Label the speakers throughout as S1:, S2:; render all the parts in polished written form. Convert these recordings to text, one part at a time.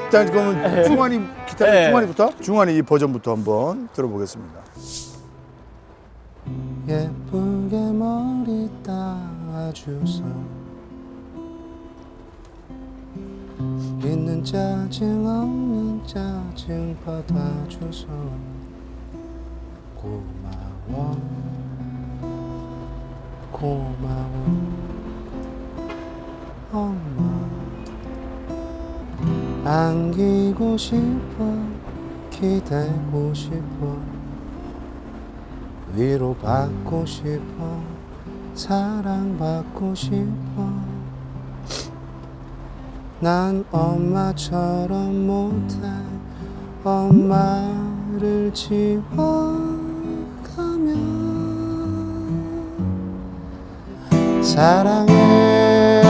S1: 일단 그러면 중환이 기타 중환이부터 중환이 이 버전부터 한번 들어보겠습니다.
S2: 예쁘게 머리 따주소 있는 짜증 없는 짜증 받아줘서 고마워 고마워 엄마 안기고 싶어 기대고 싶어 위로받고 싶어 사랑받고 싶어 난 엄마처럼 못해 엄마를 지워가면 사랑해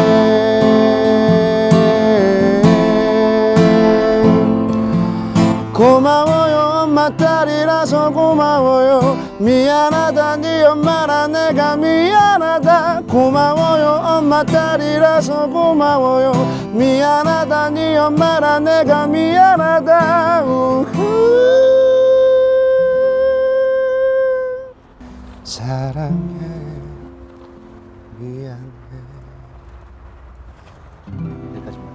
S2: 고마워요 엄마 딸이라서 고마워요 미안하다 네 엄마라 내가 미안하다 고마워요 엄마 딸이라서 고마워요 미안하다 네 엄마라 내가 미안하다 사랑해 미안해 여기까지만.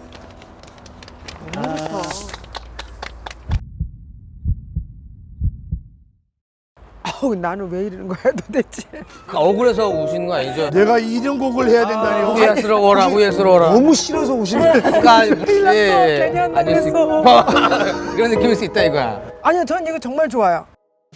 S3: 나는 왜 이러는 거야 도대체?
S4: 억울해서 우시는 거 아니죠?
S1: 내가 이런 곡을 해야 된다니.
S4: 후회스러워라 후회스러워라.
S2: 너무 싫어서 우시는
S4: 그러니까
S3: 괜히 한다고
S4: 아닐 수
S3: 했어.
S4: 이런 느낌일 수 있다 이거야.
S3: 아니요, 전 이거 정말 좋아요.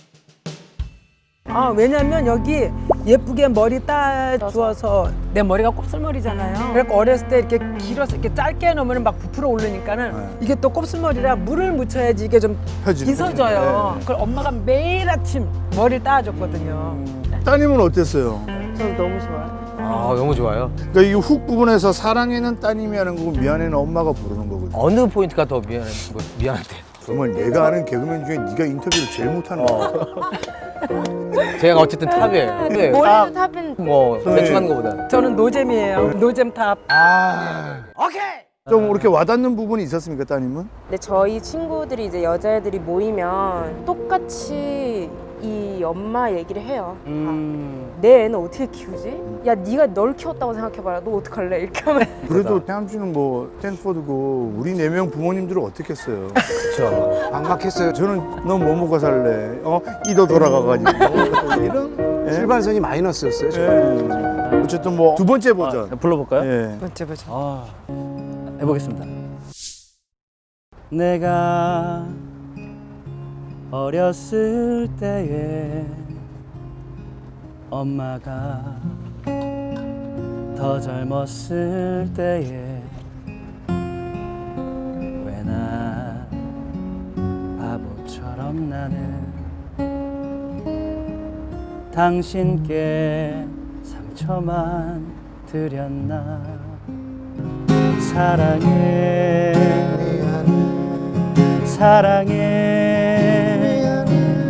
S3: 왜냐면 여기 예쁘게 머리 따주어서 내 머리가 곱슬머리잖아요. 그래서 어렸을 때 이렇게 길어서 이렇게 짧게 해놓으면 막 부풀어 오르니까는 이게 또 곱슬머리라 물을 묻혀야지 이게 좀
S1: 펴지는
S3: 빗어져요.
S1: 거죠.
S3: 그걸 엄마가 매일 아침 머리를 따줘거든요.
S1: 따님은 어땠어요?
S3: 저는 너무 좋아요.
S4: 아 너무 좋아요.
S1: 그러니까 이 훅 부분에서 사랑해는 따님이 하는 거고 미안해는 엄마가 부르는 거거든요.
S4: 어느 포인트가 더 미안한데?
S1: 정말 내가 아는 개그맨 중에 네가 인터뷰를 제일 못하는 거야.
S4: 제가 어쨌든 탑이에요. 네.
S5: 머리도 탑인
S4: 뭐 대충 하는 거보다.
S3: 저는 노잼이에요. 노잼탑.
S1: 좀 이렇게 와닿는 부분이 있었습니까, 따님은?
S5: 근데 저희 친구들이 이제 여자애들이 모이면 똑같이 이 엄마 얘기를 해요. 내 애는 어떻게 키우지? 야 네가 널 키웠다고 생각해봐라. 너 어떡할래? 이렇게 하면
S1: 그래도 태암주는 뭐 스탠포드고 우리 4명 부모님들은 어떻겠어요?
S4: 그렇죠.
S2: 막막했어요.
S1: 저는 너 뭐 먹고 살래? 이도 돌아가가지고 이런 예?
S2: 출발선이 마이너스였어요.
S1: 예. 어쨌든 뭐 두 번째 버전.
S6: 불러볼까요?
S1: 예.
S3: 번째 보자.
S6: 해보겠습니다. 내가 어렸을 때에 엄마가 더 젊었을 때에 왜 나 바보처럼 나는 당신께 상처만 드렸나 사랑해 사랑해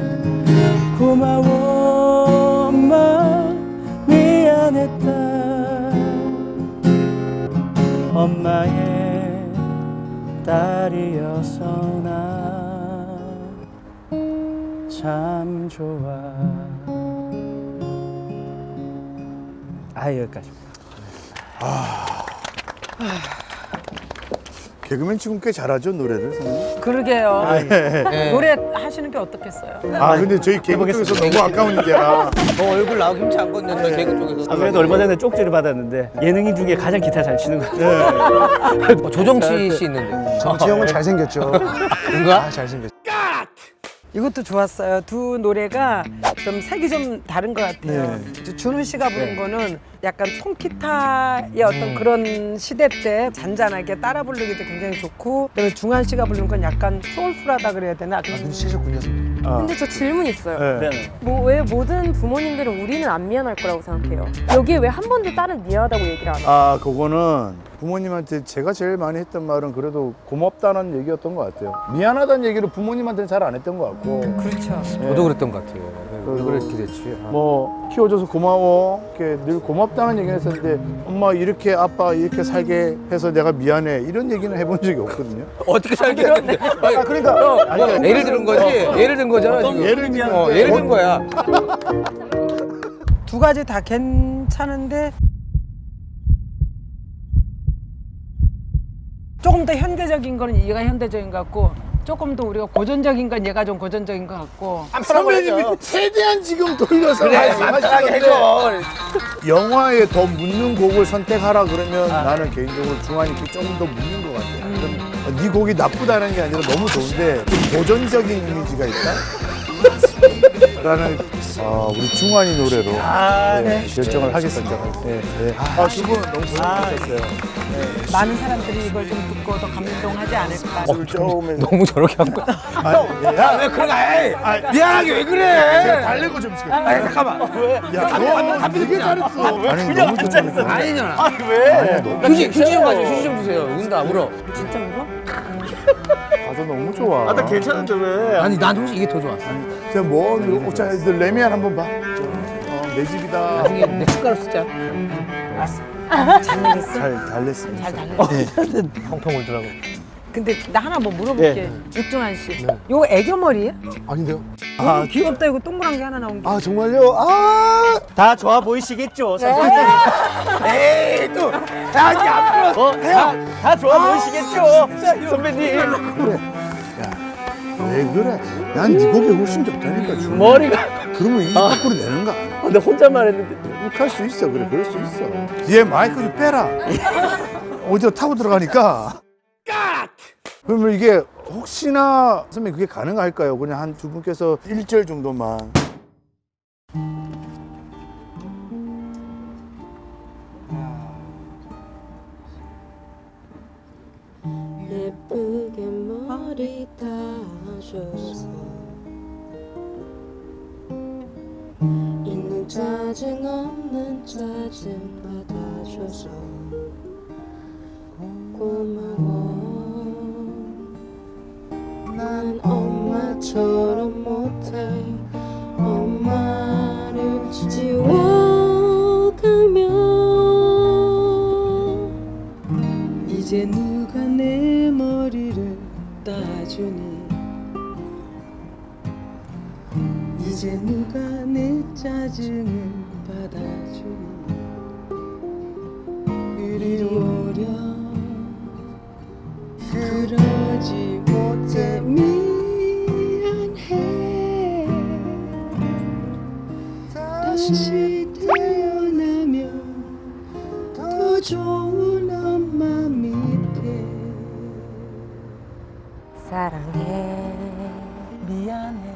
S6: 고마워 엄마 미안했다 엄마의 딸이어서 나 참 좋아 여기까지입니다.
S1: 개그맨 지금 꽤 잘하죠, 노래를. 선생님?
S3: 그러게요.
S4: 네.
S3: 노래 하시는 게 어떻겠어요?
S1: 근데 저희 개그 쪽에서 너무 아까운 일이야.
S4: 얼굴 나오기 힘치 않거든요. 저 개그 쪽에서.
S6: 그래도 얼마 전에 쪽지를 받았는데 예능인 중에 가장 기타 잘 치는 것 같아요.
S4: 조정치 씨 있는데.
S2: 정치형은 잘생겼죠.
S4: 뭔가?
S2: 잘생겼죠.
S3: 이것도 좋았어요. 두 노래가 좀 색이 좀 다른 것 같아요. 준우 씨가 부른 거는 약간 통기타의 어떤 그런 시대 때 잔잔하게 따라 부르기도 굉장히 좋고, 그다음에 중한 씨가 부른 건 약간 소울풀하다 그래야 되나?
S2: 눈치채셨군요.
S5: 근데 저 질문 있어요.
S1: 네.
S5: 왜 모든 부모님들은 우리는 안 미안할 거라고 생각해요? 여기에 왜 한 번도 딸은 미안하다고 얘기를 안 해요?
S1: 그거는 부모님한테 제가 제일 많이 했던 말은 그래도 고맙다는 얘기였던 것 같아요. 미안하다는 얘기를 부모님한테는 잘 안 했던 것 같고.
S3: 그렇죠.
S4: 저도 그랬던 것 같아요. 왜 그렇게 됐지?
S1: 뭐 키워줘서 고마워 이렇게 늘 고맙다는 얘기를 했었는데 엄마 이렇게 아빠 이렇게 살게 해서 내가 미안해 이런 얘기는 해본 적이 없거든요.
S4: 어떻게 살게 했는데?
S1: 그러니까
S4: 뭐, 예를 들은 거지? 예를 든 거잖아 지금.
S1: 예를 들면
S4: 예를 든 거야.
S3: 두 가지 다 괜찮은데 조금 더 현대적인 거는 얘가 현대적인 것 같고 조금 더 우리가 고전적인 건 얘가 좀 고전적인 것 같고.
S1: 선배님이 최대한 지금 돌려서
S4: 그래, 간단하게 해줘.
S1: 영화에 더 묻는 곡을 선택하라 그러면 나는 개인적으로 중환이 조금 더 묻는 것 같아요. 그럼 네 곡이 나쁘다는 게 아니라 너무 좋은데 좀 고전적인 이미지가 있다? 라는 우리 중환이 노래로 결정을 하겠습니다. 네. 두 분 너무 고생하셨어요.
S3: 많은 사람들이 이걸 좀 듣고 더 감동하지 않을까.
S1: 처음에
S4: 너무 저렇게 한 거야. 왜 그런 거야? 미안하게 왜 그래?
S1: 달래고 좀 시켜.
S4: 아니 잠깐만.
S1: 야, 너 되게 잘했어. 아니 너무 좋잖아.
S4: 아니잖아.
S1: 왜?
S4: 휴지 좀 가져. 휴지 좀 주세요. 운다 울어.
S3: 진짜 울어?
S1: 가사 너무 좋아.
S6: 나 괜찮은데 왜?
S4: 아니 난 혹시 이게 더 좋았어.
S1: 제가 뭐 자, 레미안 한번 봐. 내 집이다.
S4: 나중에 내 숟가락 쓰자.
S1: 잘 달랬습니다.
S3: 잘 달래.
S4: 펑펑 울더라고.
S3: 근데 나 하나 뭐 물어볼게. 육중한 씨. 요거 애교머리야?
S2: 아닌데요?
S3: 아 귀엽다. 이거 동그란 게 하나 나온 게.
S2: 아 정말요? 아
S6: 다 좋아 보이시겠죠, 선생님?
S1: 에이 또 아니 안 불러.
S6: 다 좋아 보이시겠죠, 선배님?
S1: 왜 그래? 난 네 곡이 훨씬 좋다니까. 지금.
S6: 머리가.
S1: 그러면 이 밖으로 내는 거 아니야?
S6: 근데 혼잣말 했는데.
S1: 할 수 있어. 그래 그럴 수 있어. 뒤에 마이크 좀 빼라. 어디로 타고 들어가니까. 그러면 이게 혹시나 선생님 그게 가능할까요? 그냥 한 두 분께서 1절 정도만.
S5: 예쁘게 머리 따줘서 있는 짜증 없는 짜증 받아줘서 고마워. 난 엄마처럼 못해. 엄마를 지워가면 이제 누가 내 머리를 따주니. 이제 누가 내 짜증을 받아주니. 이리 오려. 그러지 못해. 미안해. 다시 태어나면 더 좋은 엄마 밑에. 사랑해. 미안해.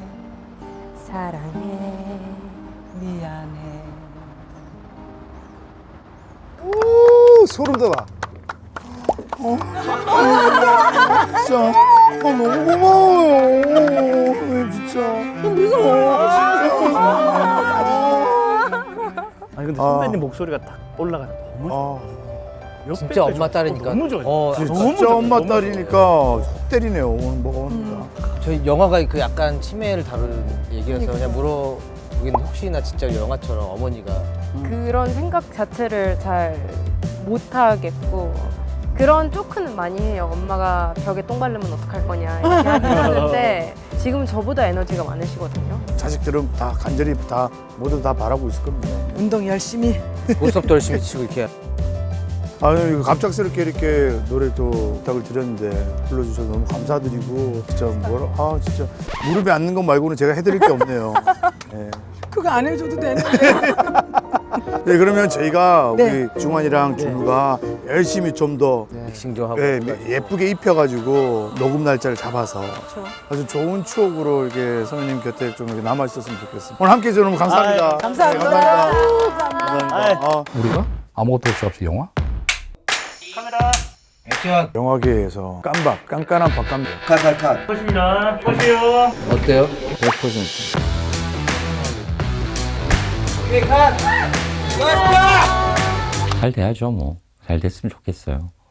S5: 사랑해. 미안해.
S2: 오, 소름 돋아.
S1: 진짜 너무 고마워요. 진짜.
S6: 아니 근데 선배님 목소리가 딱 올라가. 너무 좋아. 몇
S4: 진짜
S6: 배까지
S4: 엄마 딸이니까.
S6: 너무 좋아.
S1: 진짜
S6: 좋아,
S1: 엄마
S6: 너무
S1: 딸이니까 속 때리네요. 오늘 먹으니까.
S4: 저희 영화가 그 약간 치매를 다루는 얘기여서 그냥 물어보긴 혹시나 진짜 영화처럼 어머니가
S5: 그런 생각 자체를 잘 못하겠고 그런 쪼크는 많이 해요. 엄마가 벽에 똥 바르면 어떡할 거냐 이렇게 하긴 하는데 지금은 저보다 에너지가 많으시거든요.
S1: 자식들은 다 간절히 다 모두 다 바라고 있을 겁니다.
S3: 운동 열심히.
S4: 보석도 열심히 치고 이렇게.
S1: 아유 이거 갑작스럽게 이렇게 노래 또 부탁을 드렸는데 불러주셔서 너무 감사드리고 진짜 진짜 무릎에 앉는 것 말고는 제가 해드릴 게 없네요. 네.
S3: 그거 안 해줘도 되는데.
S1: 네 그러면 저희가
S3: 네.
S1: 우리 중환이랑 준우가 열심히 좀 더
S4: 믹싱 좀 하고.
S1: 예쁘게 입혀가지고 녹음 날짜를 잡아서 아주 좋은 추억으로 이렇게 선배님 곁에 좀 이렇게 남아 있었으면 좋겠습니다. 오늘 함께 해주셔서 너무 감사합니다.
S3: 아유, 감사합니다.
S1: 네, 감사합니다. 감사합니다.
S7: 우리가 아무것도 할 수 없이 영화?
S4: 액션.
S1: 영화계에서 깐깐한 박감독.
S6: 보십니다. 보세요.
S4: 어때요?
S1: 100%.
S7: 잘 돼야죠 뭐.
S8: 잘 됐으면 좋겠어요.